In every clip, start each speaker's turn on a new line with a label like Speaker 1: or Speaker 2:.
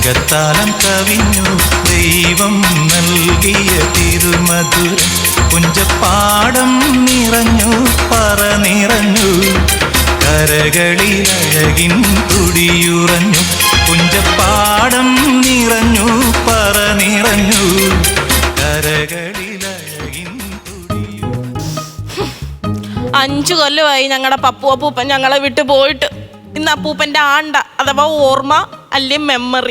Speaker 1: രാഗത്താലം കവിഞ്ഞു ദൈവം നൽകിയ തിരുമധുരം പുഞ്ചപ്പാടം നിറഞ്ഞു പറ നിറഞ്ഞു കരകളിലഴകിൻ തുടിയുറഞ്ഞു പുഞ്ചപ്പാടം നിറഞ്ഞു പറ നിറഞ്ഞു കരകളിലഴകിൻ തുടിയുറഞ്ഞു.
Speaker 2: 5 കൊല്ലമായി ഞങ്ങളുടെ പപ്പു അപ്പൂപ്പൻ ഞങ്ങളെ വിട്ടു പോയിട്ട്. ഇന്ന് അപ്പൂപ്പന്റെ ആണ്ട അഥവാ ഓർമ്മ അല്ലെ മെമ്മറി.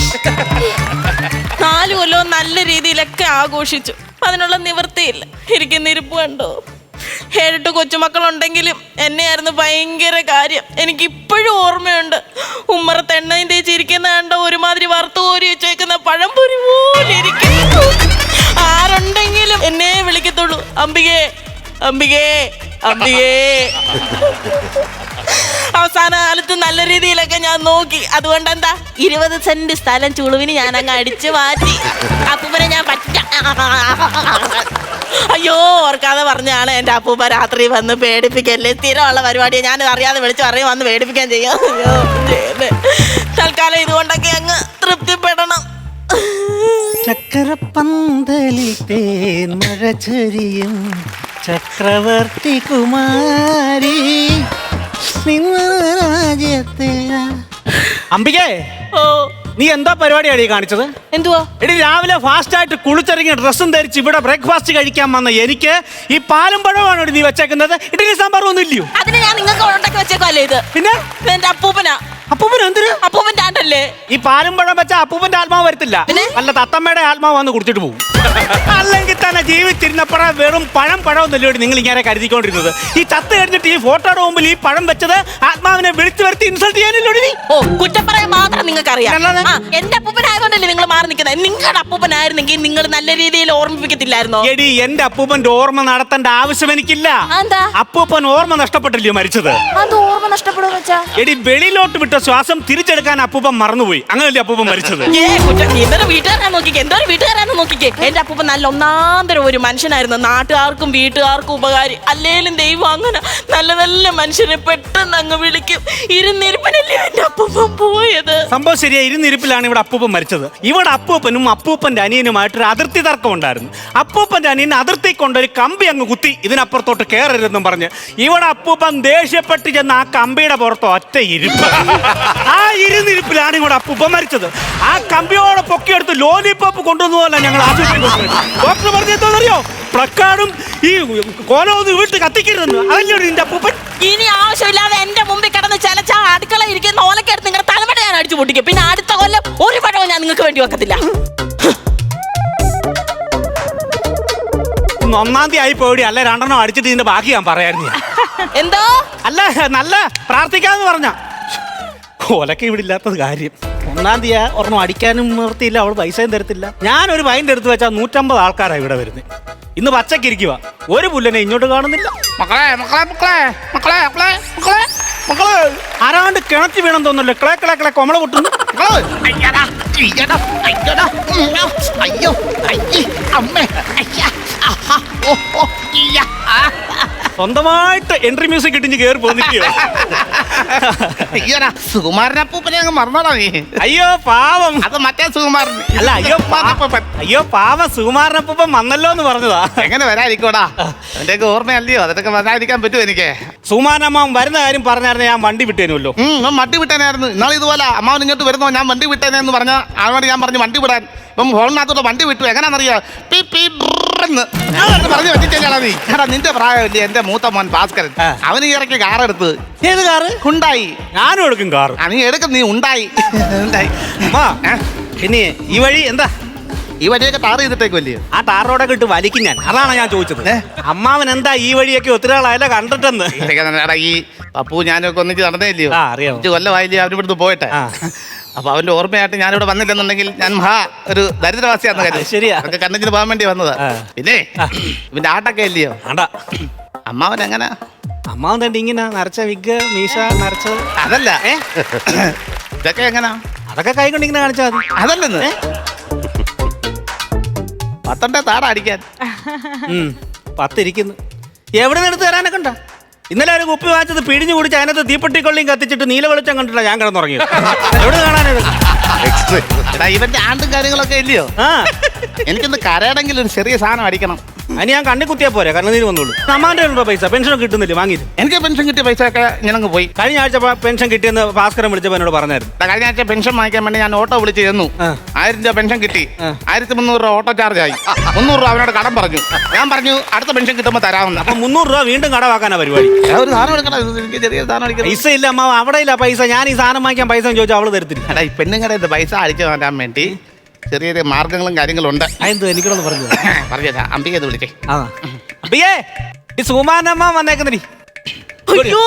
Speaker 2: 4 കൊല്ലവും നല്ല രീതിയിലൊക്കെ ആഘോഷിച്ചു. അതിനുള്ള നിവൃത്തിയില്ല. ഇരിക്കുന്ന ഇരിപ്പ് കണ്ടോ? 7 കൊച്ചുമക്കളുണ്ടെങ്കിലും എന്നെയായിരുന്നു ഭയങ്കര കാര്യം. എനിക്കിപ്പോഴും ഓർമ്മയുണ്ട്. ഉമ്മറത്ത് എണ്ണയും തേച്ചിരിക്കുന്ന കണ്ട ഒരുമാതിരി വറുത്തു കോരി വെച്ചേക്കുന്ന പഴംപൊരി പോലെ ഇരിക്കുന്നു. ആരുണ്ടെങ്കിലും എന്നെ വിളിക്കത്തുള്ളൂ, അംബികേ അംബികേ അംബികേ. അവസാന കാലത്ത് നല്ല രീതിയിലൊക്കെ ഞാൻ നോക്കി. അതുകൊണ്ട് എന്താ 20 സെന്റ് സ്ഥലം ചുളുവിന് ഞാൻ അങ്ങ് അടിച്ചു മാറ്റി. അപ്പൂപ്പനെ ഞാൻ അയ്യോ ഓർക്കാതെ പറഞ്ഞാണ് എൻ്റെ അപ്പൂപ്പ രാത്രി വന്ന് പേടിപ്പിക്കല്ലേ. സ്ഥിരമുള്ള പരിപാടിയെ ഞാൻ അറിയാതെ വിളിച്ചു പറയും വന്ന് പേടിപ്പിക്കാൻ ചെയ്യാം. തൽക്കാലം ഇതുകൊണ്ടൊക്കെ അങ്ങ് തൃപ്തിപ്പെടണം.
Speaker 3: ചക്രപ്പന്തലിൽ തേൻ മഴ ചൊരിയും ചക്രവർത്തി കുമാരി രാജ്യത്തെ. അംബികേ,
Speaker 2: ഓ
Speaker 3: നീ എന്താ പരിപാടിയാണ് ഈ കാണിച്ചത്?
Speaker 2: എന്തുവാ?
Speaker 3: എടി, രാവിലെ ഫാസ്റ്റ് ആയിട്ട് കുളിച്ചിറങ്ങി ഡ്രസ്സും ധരിച്ച് ഇവിടെ ബ്രേക്ക്ഫാസ്റ്റ് കഴിക്കാൻ വന്ന എനിക്ക് ഈ പാലും പഴമാണ് നീ വെച്ചേക്കുന്നത്. ഇഡലി സാമ്പാറും ഒന്നും ഇല്ലയോ?
Speaker 2: അതിന് ഞാൻ നിങ്ങൾക്ക് ഉണ്ടാക്കി വെച്ചേക്കല്ലേ ഇത്.
Speaker 3: പിന്നെ
Speaker 2: എന്റെ അപ്പൂപ്പനാ.
Speaker 3: അപ്പൂപ്പൻ എന്തിന്?
Speaker 2: അപ്പൂപ്പന്റെ ആണ്ടല്ലേ.
Speaker 3: ഈ പാലും പഴം വെച്ച അപ്പൂപ്പന്റെ ആത്മാവ് വരത്തില്ല, വല്ല തത്തമ്മയുടെ ആത്മാവ് വന്ന് കുടിച്ചിട്ട് പോകും. അല്ലെങ്കിൽ തന്നെ ജീവിച്ചിരുന്നപ്പോഴേ വെറും പഴമൊന്നുമല്ലോ നിങ്ങൾ ഇങ്ങനെ കരുതിക്കൊണ്ടിരുന്നത്. ഈ ചത്ത് കഴിഞ്ഞിട്ട് ഈ ഫോട്ടോയുടെ മുമ്പിൽ ഈ പഴം വെച്ചത് ആത്മാവിനെ വിളിച്ചു വരുത്തി ഇൻസൾട്ട് ചെയ്യാനില്ലോ.
Speaker 2: ഓ, കുറ്റം പറയാൻ മാത്രം നിങ്ങൾക്ക് അറിയാം. എന്റെ അപ്പൂപ്പനായതുകൊണ്ടല്ലേ നിങ്ങൾ മാറി നിൽക്കുന്നത്. നിങ്ങളുടെ അപ്പൂപ്പനായിരുന്നെങ്കിൽ നിങ്ങൾ നല്ല രീതിയിൽ ഓർമ്മിപ്പിക്കത്തില്ലായിരുന്നോ?
Speaker 3: എടി, എന്റെ അപ്പൂപ്പന്റെ ഓർമ്മ നടത്തേണ്ട ആവശ്യം എനിക്കില്ല. അപ്പൂപ്പൻ ഓർമ്മ നഷ്ടപ്പെട്ടില്ലയോ മരിച്ചത്?
Speaker 2: ഓർമ്മ നഷ്ടപ്പെടുമെന്ന് വെച്ചാ
Speaker 3: എടി, വെളിയിലോട്ട് വിട്ട ശ്വാസം തിരിച്ചെടുക്കാൻ അപ്പൂപ്പൻ മറന്നുപോയി. അങ്ങനല്ലേ അപ്പൂപ്പൻ മരിച്ചത്?
Speaker 2: വീട്ടുകാരാ നോക്കിക്കേ, എന്തോ വീട്ടുകാരാന്ന് നോക്കിക്കേ. എന്റെ അപ്പൂപ്പൻ നല്ല ഒന്നാന്തരം ഒരു മനുഷ്യനായിരുന്നു. നാട്ടുകാർക്കും വീട്ടുകാർക്കും ഉപകാരി. അല്ലേലും ദൈവം അങ്ങനെ നല്ല നല്ല മനുഷ്യനെ പെട്ടെന്ന് അങ്ങ് വിളിക്കും. ഇരുന്നിരിപ്പനല്ലേ എന്റെ അപ്പൂപ്പൻ പോയത്.
Speaker 3: സംഭവം ശരിയാ, ഇരുന്നിരിപ്പിലാണ് ഇവിടെ അപ്പൂപ്പൻ മരിച്ചത്. ഇവിടെ അപ്പൂപ്പനും അപ്പൂപ്പന്റെ അനിയനുമായിട്ടൊരു അതിർത്തി തർക്കം ഉണ്ടായിരുന്നു. അപ്പൂപ്പന്റെ അനിയൻ അതിർത്തി കൊണ്ടൊരു കമ്പി അങ്ങ് കുത്തി ഇതിനപ്പുറത്തോട്ട് കയറരുതെന്നും പറഞ്ഞ് ഇവിടെ അപ്പൂപ്പൻ ദേഷ്യപ്പെട്ട് ചെന്ന് ആ കമ്പിയുടെ പുറത്ത് ഒറ്റ ഇരിപ്പ്. ആ ഇരുന്നിരിപ്പിലാണ് ഇവിടെ അപ്പൂപ്പൻ മരിച്ചത്. ആ കമ്പിയോടെ പൊക്കിയെടുത്ത് ലോലിപോപ്പ് കൊണ്ടുവന്നതല്ല ഞങ്ങൾ ആശുപത്രി. ഡോക്ടർ പറഞ്ഞെന്തോന്നറിയോ? പ്ലക്കാർഡും ഈ കോലമൊന്നും വീട്ടിൽ കത്തിക്കരുതെന്ന്. അതല്ലേ നിന്റെ അപ്പൂപ്പൻ?
Speaker 2: ഇനി ആവശ്യമില്ലാതെ എന്റെ മുമ്പിൽ കിടന്ന് ചിലച്ച അടുക്കള ഇരിക്കുന്ന ഓലക്കെടുത്ത് നിങ്ങളുടെ തലമുറ ഞാൻ അടിച്ചു പൊട്ടിക്കും. പിന്നെ അടുത്ത കൊല്ലം ഒരു പഴവും ഞാൻ നിങ്ങൾക്ക് വേണ്ടി വെക്കത്തില്ല.
Speaker 3: 1-ാം തീയതി ആയി പോയി. അല്ല 2 അടിച്ചിട്ട് ഇതിന്റെ ബാക്കി ഞാൻ പറയായിരുന്നു.
Speaker 2: എന്തോ
Speaker 3: അല്ല, നല്ല പ്രാർത്ഥിക്കാന്ന് പറഞ്ഞ ഓലൊക്കെ ഇവിടെ ഇല്ലാത്തത് കാര്യം. 1-ാം തീയതി ഒരെണ്ണം അടിക്കാനും നിർത്തിയില്ല. അവൾ പൈസയും തരത്തില്ല. ഞാനൊരു വൈൻ്റെ എടുത്ത് വെച്ചാൽ 150 ആൾക്കാരാണ് ഇവിടെ വരുന്നത്. ഇന്ന് പച്ചക്കിരിക്കുക, ഒരു പുല്ലനെ ഇങ്ങോട്ട് കാണുന്നില്ല. മക്കളെ ആരാണ്ട് കിണറ്റി വീണം തോന്നല്ലോ. കിളെ കൊമള പൊട്ടുന്നു.
Speaker 4: അയ്യോ അമ്മേ.
Speaker 3: സ്വന്തമായിട്ട് എൻട്രി മ്യൂസിക് ഇട്ടിഞ്ഞ് കയറി പോന്നില്ലയോ?
Speaker 4: അയ്യോടാ, സുകുമാരനപ്പൂപ്പനെ അങ്ങ് മറന്നോടാ നീ.
Speaker 3: അയ്യോ പാവം.
Speaker 4: അത് മറ്റേ സുകുമാരൻ
Speaker 3: അല്ല, അയ്യോ പാവം സുകുമാരനപ്പൂപ്പൻ വന്നല്ലോ എന്ന് പറഞ്ഞതാ.
Speaker 4: എങ്ങനെ വരാതിരിക്കോടാ, എന്റെയൊക്കെ ഓർമ്മയല്ലയോ, അതൊക്കെ വരാതിരിക്കാൻ പറ്റുമോ എനിക്ക്?
Speaker 3: സുകുമാരനമ്മ വരുന്ന കാര്യം പറഞ്ഞായിരുന്നു, ഞാൻ വണ്ടി വിട്ടേനുമല്ലോ.
Speaker 4: വണ്ടി വിട്ടേനായിരുന്നു. ഇന്നാളെ ഇതുപോലെ അമ്മാവൻ ഇങ്ങോട്ട് വരുന്നോ ഞാൻ വണ്ടി വിട്ടേനെന്ന് പറഞ്ഞ ആളോട് ഞാൻ പറഞ്ഞു വണ്ടി വിടാൻ. ഇപ്പം ഹോളിനകത്തോട്ട് വണ്ടി വിട്ടു. എങ്ങനെയാണെന്നറിയാം? പറഞ്ഞു വെച്ചിട്ടാ നീ. എടാ, നിന്റെ പ്രായമല്ലേ എന്റെ മൂത്ത മോൻ ഭാസ്കരൻ. അവന് ഇറക്കി കാർ എടുത്ത്.
Speaker 3: ഏത് കാറ്?
Speaker 4: ഉണ്ടായി.
Speaker 3: ഞാനും എടുക്കും കാർ.
Speaker 4: നീ എടുക്കും, നീ ഉണ്ടായി.
Speaker 3: പിന്നെ ഈ വഴി എന്താ?
Speaker 4: ഈ വഴിയൊക്കെ ടാർ ചെയ്തിട്ടേക്കുമല്ലേ?
Speaker 3: ആ ടാർ റോഡൊക്കെ ഇട്ട് വലിക്കും ഞാൻ. അതാണ് ഞാൻ ചോദിച്ചത്. അമ്മാവൻ എന്താ ഈ വഴിയൊക്കെ ഒത്തിരി ആളായല്ലോ കണ്ടിട്ടെന്ന്.
Speaker 4: ഈ പപ്പു ഞാനൊക്കെ ഒന്നിച്ച് നടന്നേ ഇല്ലയോ?
Speaker 3: അറിയാം.
Speaker 4: 5 കൊല്ലമായില്ലേ അവര് ഇവിടുന്ന് പോയിട്ട്. അപ്പൊ അവന്റെ ഓർമ്മയായിട്ട് ഞാനിവിടെ വന്നില്ലെന്നുണ്ടെങ്കിൽ ഞാൻ ഒരു ദരിദ്രവാസിയാന്ന് കാര്യം.
Speaker 3: ശരിയാ,
Speaker 4: അതൊക്കെ കണ്ണിന് പോകാൻ വേണ്ടി വന്നതാ. പിന്നെ ഇവന്റെ ആട്ടൊക്കെ ഇല്ലയോ? അമ്മാവൻ എങ്ങനെ?
Speaker 3: അമ്മാവൻ തന്നെ ഇങ്ങനെ നരച്ച വിഗ് മീശ നരച്ചത്.
Speaker 4: അതല്ല, ഇതൊക്കെ എങ്ങനാ?
Speaker 3: അതൊക്കെ കൈ കൊണ്ട് ഇങ്ങനെ കാണിച്ചാൽ മതി.
Speaker 4: അതല്ലെന്ന് 10 താട അടിക്കാൻ
Speaker 3: 10 ഇരിക്കുന്നു. എവിടെ നിന്ന് എടുത്ത് തരാനൊക്കെ ഉണ്ടോ? ഇന്നലെ ഒരു കുപ്പി വാങ്ങിച്ചത് പിഴിഞ്ഞു കുടിച്ച് അതിനകത്ത് തീപ്പെട്ടിക്കൊള്ളിയും കത്തിച്ചിട്ട് നീല വെളിച്ചം കണ്ടിട്ടാ ഞാൻ കിടന്നുറങ്ങിയത്. എവിടെ കാണാനത്?
Speaker 4: എടാ ഇവന്റെ ആണ്ടും കാര്യങ്ങളൊക്കെ ഇല്ലയോ
Speaker 3: ആ
Speaker 4: എനിക്കൊന്ന് കരയണമെങ്കിൽ ഒരു ചെറിയ സാധനം അടിക്കണം.
Speaker 3: അതിന് ഞാൻ കണ്ണി കുത്തിയാ പോരെ കണ്ണുനീര് വന്നോളൂ. അമ്മാന്റെ ഉണ്ടോ പൈസ? പെൻഷൻ കിട്ടുന്നില്ല വാങ്ങിയിട്ട്.
Speaker 4: എനിക്ക് പെൻഷൻ കിട്ടിയ പൈസ ഒക്കെ ഞാനങ്ങ് പോയി.
Speaker 3: കഴിഞ്ഞ ആഴ്ച പെൻഷൻ കിട്ടിയെന്ന് ഭാസ്കരൻ വിളിച്ചപ്പോൾ എന്നോട് പറഞ്ഞായിരുന്നു.
Speaker 4: കഴിഞ്ഞ ആഴ്ച പെൻഷൻ വാങ്ങിക്കാൻ വേണ്ടി ഞാൻ ഓട്ടോ വിളിച്ച് ചെന്നു. 1000 രൂപ പെൻഷൻ കിട്ടി. 1300 രൂപ ഓട്ടോ ചാർജ് ആയി. 300 രൂപ അവനോട് കടം പറഞ്ഞു. ഞാൻ പറഞ്ഞു അടുത്ത പെൻഷൻ കിട്ടുമ്പോൾ തരാമെന്ന്.
Speaker 3: അപ്പൊ 300 രൂപ വീണ്ടും കടവാക്കാനാ പരിപാടി.
Speaker 4: ഒരു സാധനം എടുക്കണം. എനിക്ക് ചെറിയ സാധനം അടിക്കണം.
Speaker 3: പൈസ ഇല്ല അമ്മ, അവിടെ ഇല്ല പൈസ. ഞാൻ ഈ സാധനം വാങ്ങിക്കാൻ പൈസ ചോദിച്ചാൽ അവള് തരത്തില്ല.
Speaker 4: എടാ ഈ പെണ്ണുങ്ങളുടെ പൈസ അടിച്ചു മാറ്റാൻ വേണ്ടി ചെറിയ ചെറിയ മാർഗങ്ങളും കാര്യങ്ങളും ഉണ്ട്.
Speaker 3: അതെന്തോ എനിക്കൊന്ന് പറഞ്ഞു
Speaker 4: പറഞ്ഞാ അമ്പിക വിളിച്ചേ.
Speaker 3: ആ അയ്യേ ഈ സുമാനമ്മ വന്നേക്കുന്നടി.
Speaker 2: അയ്യോ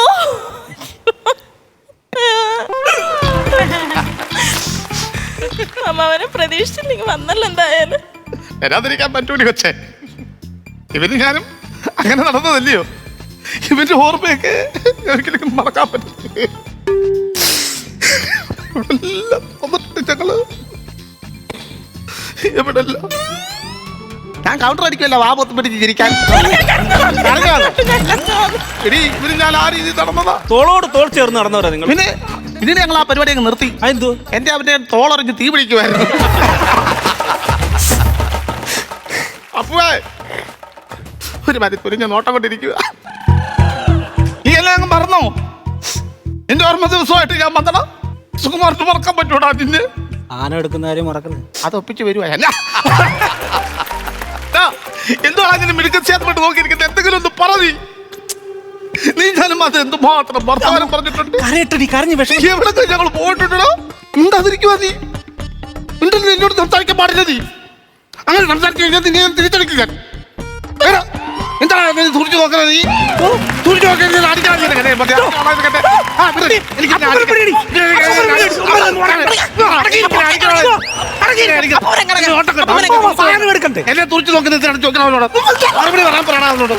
Speaker 2: അമ്മാവനെ പ്രതീക്ഷിച്ചില്ലെങ്കിൽ വന്നല്ലോ എന്തായാലും.
Speaker 4: വരാതിരിക്കാൻ പറ്റൂടി കൊച്ചേ. ഇവന് ഞാനും അങ്ങനെ നടന്നതല്ലയോ. ഇവന്റെ ഓർമ്മയൊക്കെ ഒരിക്കലും മറക്കാൻ പറ്റില്ല. ഞങ്ങള് എവിടെല്ല ഞാൻ കൗണ്ടർ അടിക്കുമല്ലോ വാ പൊത്ത് പിടിച്ച് ചിരിക്കാൻ. എടീ ഇവര് ഞാൻ ആ രീതിയിൽ നടന്നതാ.
Speaker 3: തോളോട് തോൾ ചേർന്ന് നടന്നവരാ നിങ്ങൾ.
Speaker 4: പിന്നെ ഇതിന് ഞങ്ങൾ ആ പരിപാടി അങ്ങ് നിർത്തി.
Speaker 3: അതെന്തോ?
Speaker 4: എന്റെ അവന്റെ തോളറിഞ്ഞ് തീ പിടിക്കുമായിരുന്നു. അപ്പുവേ ഒരു മരിപ്പൊരിഞ്ഞ നോട്ടം കൊണ്ടിരിക്കുക. നീ എല്ലാം അങ്ങ് മറന്നോ? എന്റെ ഓർമ്മ ദിവസമായിട്ട് ഞാൻ വന്നടാ. സുകുമാറിന് മറക്കാൻ പറ്റൂടാ നിന്നെ?
Speaker 3: ആന എടുക്കുന്ന കാര്യം മറക്കുന്നത്.
Speaker 4: അത് ഒപ്പിച്ച് വരുവാ. എന്തുവാ അങ്ങനെ മിടുക്കച്ചേർന്നിട്ട് നോക്കിയിരിക്കുന്നത്? എന്തെങ്കിലും ഒന്ന് പറതി. നീ ഞാനും അത് എന്തുമാത്രം വർത്തമാനം പറഞ്ഞിട്ടുണ്ട്.
Speaker 3: കരഞ്ഞു വിഷം.
Speaker 4: എവിടെ ഞങ്ങൾ പോയിട്ടുണ്ടോ? ഉണ്ടാതിരിക്കുവാ നീ. ഉണ്ടല്ലോ എന്നോട് സംസാരിക്കാൻ പാടില്ല. നീ അങ്ങനെ സംസാരിച്ചു കഴിഞ്ഞാൽ നിന്നെ ഞാൻ തിരിച്ചടിക്കുക. എന്താണ് സൂക്ഷിച്ചു നോക്കുന്നത്? നീ സൂക്ഷിച്ചു നോക്കുന്നത് അടിക്കാൻ എന്നെ തുറച്ചു നോക്കുന്നത് ചോദിക്കണവനോട് മറുപടി പറയാൻ പറയണവനോട്.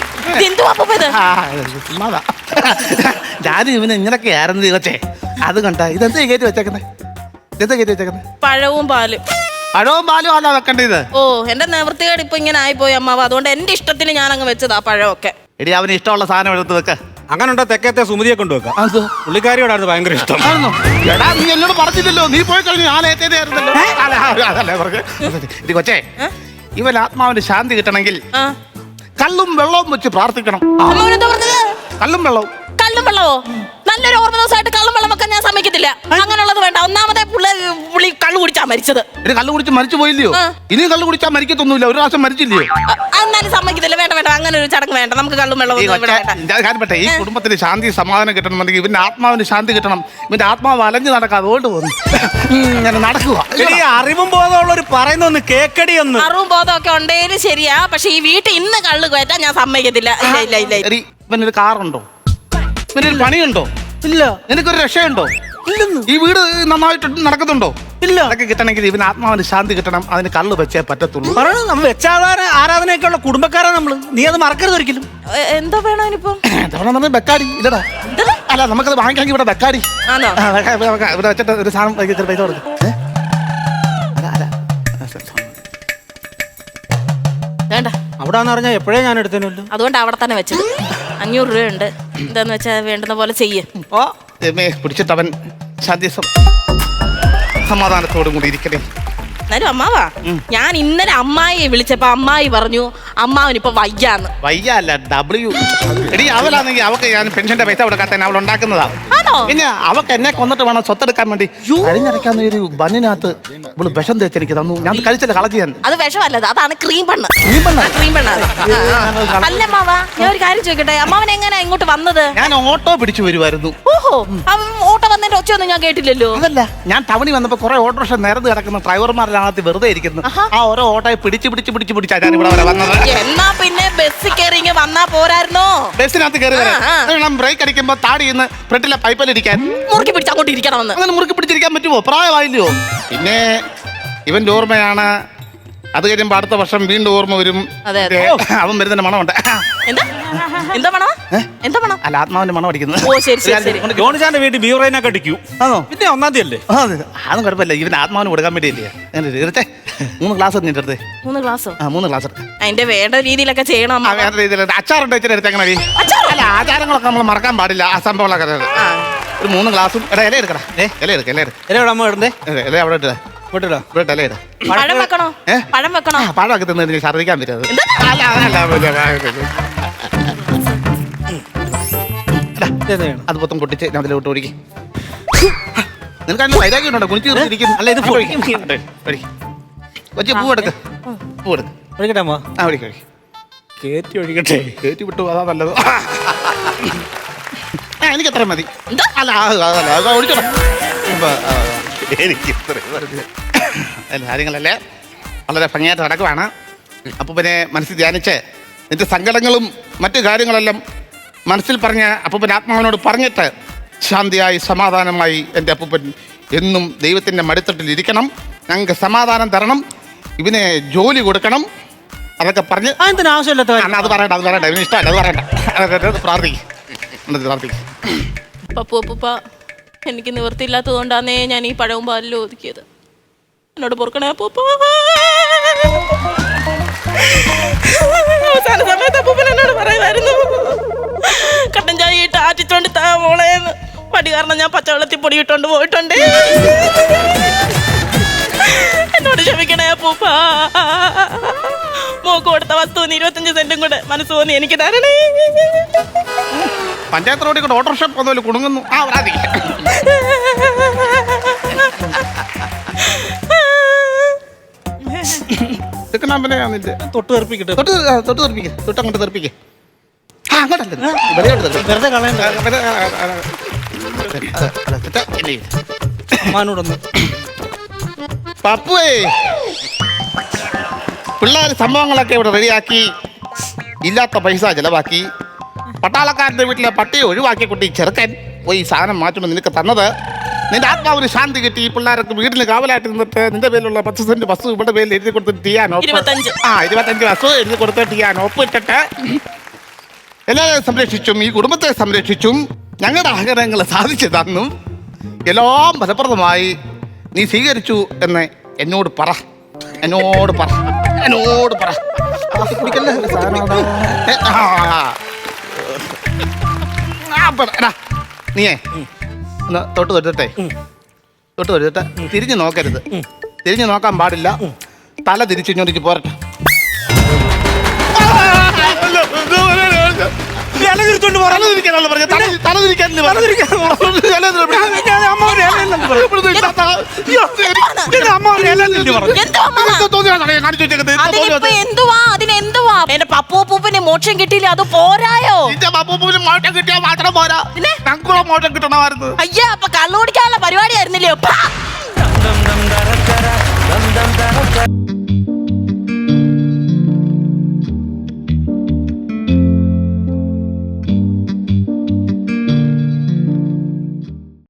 Speaker 4: ഞാനും ഇവന് ഇങ്ങനൊക്കെ ആയിരുന്നു തീർച്ചേ. അത് കണ്ട ഇതെന്താ കയറ്റി വെച്ചേക്കുന്നത്? ഇതെന്താ കയറ്റി വെച്ചേക്കുന്നത്?
Speaker 2: പഴവും പാലും.
Speaker 4: പഴവും പാലും ആണോ വെക്കേണ്ടത്?
Speaker 2: ഓ എന്റെ നിവൃത്തികേട് ഇപ്പൊ ഇങ്ങനെ ആയിപ്പോയി അമ്മാവ. അതുകൊണ്ട് എന്റെ ഇഷ്ടത്തിന് ഞാൻ അങ്ങ് വെച്ചതാ പഴമൊക്കെ.
Speaker 4: എടി അവന് ഇഷ്ടമുള്ള സാധനം എടുത്ത് വെക്ക.
Speaker 3: അങ്ങനെ ഉണ്ടോ തെക്കത്തെ സുമതിയെ കൊണ്ടുവെക്കാം. പുള്ളിക്കാരിയോടായിരുന്നു ഭയങ്കര ഇഷ്ടം.
Speaker 4: എടാ നീ എന്നോട് പറഞ്ഞില്ലല്ലോ. നീ പോയി കഴിഞ്ഞു ഞാൻ ഏറ്റേതായിരുന്നല്ലോ. ഇത് കൊച്ചേ ഇവൻ ആത്മാവിന് ശാന്തി കിട്ടണമെങ്കിൽ കള്ളും വെള്ളവും വെച്ച് പ്രാർത്ഥിക്കണം. കള്ളും വെള്ളവും.
Speaker 2: കള്ളും വെള്ളവോ? നല്ലൊരു ഓർമ്മ ദിവസമായിട്ട് കള്ളും വെള്ളം വെക്കാൻ ഞാൻ സമ്മതിക്കത്തില്ല. അങ്ങനെയുള്ളത് വേണ്ട. ഒന്നാമത്തെ പുള്ളി കള്ളു കുടിച്ചാ മരിച്ചത്.
Speaker 4: ഒരു കള്ളു കുടിച്ച് മരിച്ചു പോയില്ലയോ? ഇനിയും കള്ളു കുടിച്ചാൽ മരിക്കത്തൊന്നുമില്ല. ഒരു പ്രാവശ്യം മരിച്ചില്ലയോ?
Speaker 2: എന്നാലും സമ്മതിക്കത്തില്ല. വേണ്ട വേണ്ട, അങ്ങനെ ഒരു ചടങ്ങ് വേണ്ട. നമുക്ക് കള്ളും വെള്ളവും വേണ്ട.
Speaker 4: ഈ കുടുംബത്തിന് ശാന്തി സമാധാനം കിട്ടണമെന്നുണ്ടെങ്കിൽ ഇവന്റെ ആത്മാവിന് ശാന്തി കിട്ടണം. ഇവന്റെ ആത്മാവ് അലഞ്ഞു നടക്കാം. അതുകൊണ്ട് പോകുന്നു ഇങ്ങനെ നടക്കുക.
Speaker 3: അറിവും ബോധമുള്ളവർ പറയുന്നൊന്ന് കേക്കടി. ഒന്ന്
Speaker 2: അറിവും ബോധമൊക്കെ ഉണ്ടെങ്കിലും ശരിയാ. പക്ഷെ ഈ വീട്ടിൽ ഇന്ന് കള്ളു കയറ്റാൻ ഞാൻ സമ്മതിക്കത്തില്ല. ഇല്ല ഇല്ല ഇല്ല.
Speaker 4: ഇവനൊരു കാറുണ്ടോ? ഇവനൊരു പണിയുണ്ടോ?
Speaker 3: ഇല്ല.
Speaker 4: നിനക്കൊരു രക്ഷയുണ്ടോ? ഇല്ലെന്ന്. ഈ വീട് നന്നായിട്ട് നടക്കുന്നുണ്ടോ? ഇല്ല. അതൊക്കെ കിട്ടണമെങ്കിൽ ഇവന് ആത്മാവിന് ശാന്തി കിട്ടണം. അതിന് കള്ള് വെച്ചേ പറ്റത്തുള്ളൂ.
Speaker 3: നമ്മൾ വെച്ചാധാര ആരാധനയൊക്കെ ഉള്ള കുടുംബക്കാരാ നമ്മള്. നീ അത് മറക്കരുത് ഒരിക്കലും.
Speaker 2: എന്താ വേണം ഇനിയിപ്പം?
Speaker 4: ബെക്കാടി ഇല്ലടാ. അല്ല നമുക്കത് വാങ്ങിക്കാമെങ്കിൽ ഇവിടെ ബെക്കാടി ഇവിടെ വെച്ചിട്ട് ഒരു സാധനം പൈസ കൊടുക്കും.
Speaker 2: വേണ്ട.
Speaker 3: അവിടാന്ന് പറഞ്ഞാൽ എപ്പോഴേ ഞാൻ എടുത്തേനല്ലോ.
Speaker 2: അതുകൊണ്ട് അവിടെ തന്നെ വെച്ചത്. 500 രൂപയുണ്ട്. എന്താന്ന് വെച്ചാൽ വേണ്ടുന്ന പോലെ ചെയ്യേ.
Speaker 4: ഓ പിടിച്ചിട്ടവൻ ശാന്തി സമാധാനത്തോടും കൂടി ഇരിക്കണേ.
Speaker 2: എന്നാലും അമ്മാവാ, ഞാൻ ഇന്നലെ അമ്മായിയെ വിളിച്ചപ്പോ അമ്മായി പറഞ്ഞു അമ്മാവനിപ്പൊ വയ്യാന്ന്.
Speaker 4: വയ്യല്ല W. എടി അവളാണെങ്കിൽ അവക്ക് ഞാൻ പെൻഷന്റെ പൈസ കൊടുക്കാത്ത അവൾ ഉണ്ടാക്കുന്നതാ. പിന്നെ അവക്ക് എന്നെ കൊന്നിട്ട് വേണം സ്വത്തെടുക്കാൻ വേണ്ടി. കഴിഞ്ഞിടയ്ക്കാന്ന് ഒരു ബണ്ണിനകത്ത് ഇവള് വിഷം തേച്ച് എനിക്ക് തന്നു. ഞാൻ കഴിച്ചില്ല, കളഞ്ഞു ഞാൻ.
Speaker 2: അത് വിഷമല്ലത്, അതാണ് ക്രീം പെണ്ണ്. ക്രീം പെണ്ണാണ്. അല്ല അമ്മാവാ, ഞാൻ ഒരു കാര്യം ചോദിക്കട്ടെ, അമ്മാവൻ എങ്ങനെയാ ഇങ്ങോട്ട് വന്നത്?
Speaker 4: ഞാൻ ഓട്ടോ പിടിച്ചു വരുമായിരുന്നു.
Speaker 2: ഓഹോ, ഓട്ടോ വന്നതിന്റെ ഒച്ചയൊന്നും ഞാൻ കേട്ടില്ലല്ലോ.
Speaker 4: അതല്ല, ഞാൻ ടൗണിൽ വന്നപ്പോ കുറെ ഓട്ടോറിക്ഷ നിരന്ന് കിടക്കുന്ന ഡ്രൈവർമാരിനകത്ത് വെറുതെ ഇരിക്കുന്നു. ആ ഓരോ ഓട്ടോയെ പിടിച്ചാ ഞാൻ ഇവിടെ വരെ വന്നത്.
Speaker 2: എന്നാ പിന്നെ ബസ് കയറി വന്നാ പോരായിരുന്നോ?
Speaker 4: ബസ്സിനകത്ത് കയറി വരാം. ബ്രേക്ക് അടിക്കുമ്പോ താടിന്ന് ഫ്രണ്ടിലെ പൈപ്പിലിരിക്കാൻ
Speaker 2: മുറുക്കി പിടിച്ച് അങ്ങോട്ട് ഇരിക്കണമെന്ന്.
Speaker 4: അങ്ങനെ മുറുക്കി പിടിച്ചിരിക്കാൻ പറ്റുമോ? പ്രായമായില്ലയോ? പിന്നെ ഇവന്റെ ഓർമ്മയാണ്. അത് കഴിയുമ്പോ അടുത്ത വർഷം വീണ്ടും ഓർമ്മ വരും. അവൻ വരുന്നതിന്റെ മണമുണ്ട്. അല്ല, ആത്മാവിന്റെ മണം അടിക്കുന്നത്.
Speaker 3: ജോണിച്ചാന്റെ വീട്ടിൽ ബീവറേനൊക്കെ അടിക്കൂ. പിന്നെ 1-ാം തീയതി അല്ലേ?
Speaker 4: അതൊന്നും കുഴപ്പമില്ല. ഇവന് ആത്മാവിന് കൊടുക്കാൻ വേണ്ടിയല്ലേ. 3 ഗ്ലാസ് നിന്റെ അടുത്ത്. 3 ഗ്ലാസ്? 3 ഗ്ലാസ്.
Speaker 2: അതിന്റെ വേണ്ട രീതിയിലൊക്കെ ചെയ്യണം.
Speaker 4: വേണ്ട രീതിയിൽ അച്ചാറുണ്ട് വെച്ചിട്ട് എങ്ങനെ? അല്ല, ആചാരങ്ങളൊക്കെ നമ്മൾ മറക്കാൻ പാടില്ല. ആ സംഭവങ്ങളൊക്കെ ഒരു 3 ഗ്ലാസും. ഇല എടുക്കടാ. ഇല എടുക്ക.
Speaker 3: ഇല അമ്മ ഇടണ്ടേ?
Speaker 4: ഇല അവിടെ ഇട്ടേ.
Speaker 3: വിട്ടടാ
Speaker 4: ഇവിടെ തലയിടാ.
Speaker 2: പഴം വെക്കണോ?
Speaker 4: ഏ?
Speaker 2: പഴം വെക്കണോ?
Speaker 4: പഴമൊക്കെ തിന്നതിന് ഛർദ്ദിക്കാൻ പറ്റത്. അത് മൊത്തം പൊട്ടിച്ച് ഞാൻ അതിലോട്ട് ഓടിക്കും. നിനക്ക് അതിന് വൈരാഗ്യം ഉണ്ടോ? കുണിച്ച് തീർത്തിരിക്കുന്നു.
Speaker 3: അല്ല, ഇത് പൊടിക്കും.
Speaker 4: കൊച്ചു പൂ എടുക്ക്. പൂ എടുക്ക്.
Speaker 3: ഒഴിക്കട്ടെ അമ്മ.
Speaker 4: ആ ഒഴിക്കും ഒഴിക്കും.
Speaker 3: കേറ്റി ഒഴിക്കട്ടെ.
Speaker 4: കയറ്റി വിട്ടു, അതാ നല്ലത്. എനിക്ക് എത്ര മതി. അല്ല അതല്ല ഒഴിച്ചോ. എനിക്ക് കാര്യങ്ങളല്ലേ വളരെ ഭംഗിയായിട്ട് നടക്കുവാണ്. അപ്പോൾ പിന്നെ മനസ്സിൽ ധ്യാനിച്ച് നിന്റെ സങ്കടങ്ങളും മറ്റു കാര്യങ്ങളെല്ലാം മനസ്സിൽ പറഞ്ഞ് അപ്പൂപ്പൻ ആത്മാവിനോട് പറഞ്ഞിട്ട് ശാന്തിയായി സമാധാനമായി എൻ്റെ അപ്പൂപ്പൻ എന്നും ദൈവത്തിൻ്റെ മടിത്തട്ടിൽ ഇരിക്കണം. ഞങ്ങൾക്ക് സമാധാനം തരണം, ഇവനെ ജോലി കൊടുക്കണം, അതൊക്കെ പറഞ്ഞ്
Speaker 3: എന്തിനാ ആവശ്യമില്ലാത്ത
Speaker 4: അത് പറയണ്ട ഇവന് ഇഷ്ടമല്ല, അത് പറയണ്ട. പ്രാർത്ഥിക്കും.
Speaker 2: പപ്പൂപ്പ എനിക്ക് നിവൃത്തിയില്ലാത്തത് കൊണ്ടാന്നേ ഞാൻ ഈ പഴവും പാലിലും ഒതുക്കിയത്. എന്നോട് പൊറുക്കണേ അപ്പൂപ്പ. അവസാന സമയത്ത് അപ്പൂപ്പൻ എന്നോട് പറയുമായിരുന്നു, കട്ടൻ ചായ ഇട്ട് ആറ്റിച്ചോണ്ട് താ മോളേന്ന്. പടി കാരണം ഞാൻ പച്ചവെള്ളത്തിൽ പൊടി ഇട്ടോണ്ട് പോയിട്ടുണ്ട്. എന്നോട് ക്ഷമിക്കണേ അപ്പൂപ്പ. മോക്ക് കൊടുത്ത വസ്തുവിന് 25 സെന്റും കൂടെ മനസ്സ് തോന്നി എനിക്ക് തരണേ.
Speaker 4: പഞ്ചായത്ത് റോഡിൽ കൂടെ ഓട്ടോറിക്ഷ പോകുന്നതിൽ കുടുങ്ങുന്നു. ആ വരാതി.
Speaker 3: തൊട്ട് തെറിപ്പിക്കട്ടെ.
Speaker 4: തൊട്ടങ്ങോട്ട് തെറിപ്പിക്കേ. അങ്ങോട്ടല്ലേ
Speaker 3: വെറുതെ കളയണ്ട. അമ്മാനോടൊന്ന്.
Speaker 4: പപ്പുവേ, പിള്ളേർ സംഭവങ്ങളൊക്കെ ഇവിടെ റെഡിയാക്കി, ഇല്ലാത്ത പൈസ ചെലവാക്കി, പട്ടാളക്കാരൻ്റെ വീട്ടിലെ പട്ടിയെ ഒഴിവാക്കിയ കുട്ടി ചെറുക്കൻ പോയി സാധനം മാറ്റുമ്പോൾ നിനക്ക് തന്നത് നിന്റെ ആത്മാവിന് ശാന്തി കിട്ടി. ഈ പിള്ളേർക്ക് വീട്ടിൽ കാവലായിട്ട് നിന്നിട്ട് നിന്റെ പേരിലുള്ള 10 സെന്റ് വസ്തു ഇവിടെ പേരിൽ എഴുതി കൊടുത്തിട്ട് ചെയ്യാൻ 25 വസ്തു എഴുതി കൊടുത്തിട്ട് ചെയ്യാൻ ഒപ്പിട്ടിട്ട് എല്ലാവരെയും സംരക്ഷിച്ചും ഈ കുടുംബത്തെ സംരക്ഷിച്ചും ഞങ്ങളുടെ ആഗ്രഹങ്ങൾ സാധിച്ചു തന്നും എല്ലാം ഫലപ്രദമായി നീ സ്വീകരിച്ചു എന്ന് എന്നോട് പറ. കുടിക്കല്ലേ നീയേ ഒന്ന് തൊട്ട് തൊട്ടിട്ട് തിരിഞ്ഞു നോക്കരുത്. തിരിഞ്ഞു നോക്കാൻ പാടില്ല. തല തിരിച്ചു ഇങ്ങോട്ടേക്ക് പോരട്ടെ.
Speaker 2: എന്റെ പപ്പൂപ്പൂപ്പിന് മോക്ഷം കിട്ടിയില്ല, അത് പോരായോ?
Speaker 4: പപ്പൂപ്പിന് മോക്ഷം കിട്ടിയാൽ മാത്രം പോരാ, ഞങ്ങൾക്കുള്ള മോക്ഷം കിട്ടണമായിരുന്നു.
Speaker 2: അയ്യാ, അപ്പൊ കള്ളു കുടിക്കാനുള്ള പരിപാടിയായിരുന്നില്ലയോ?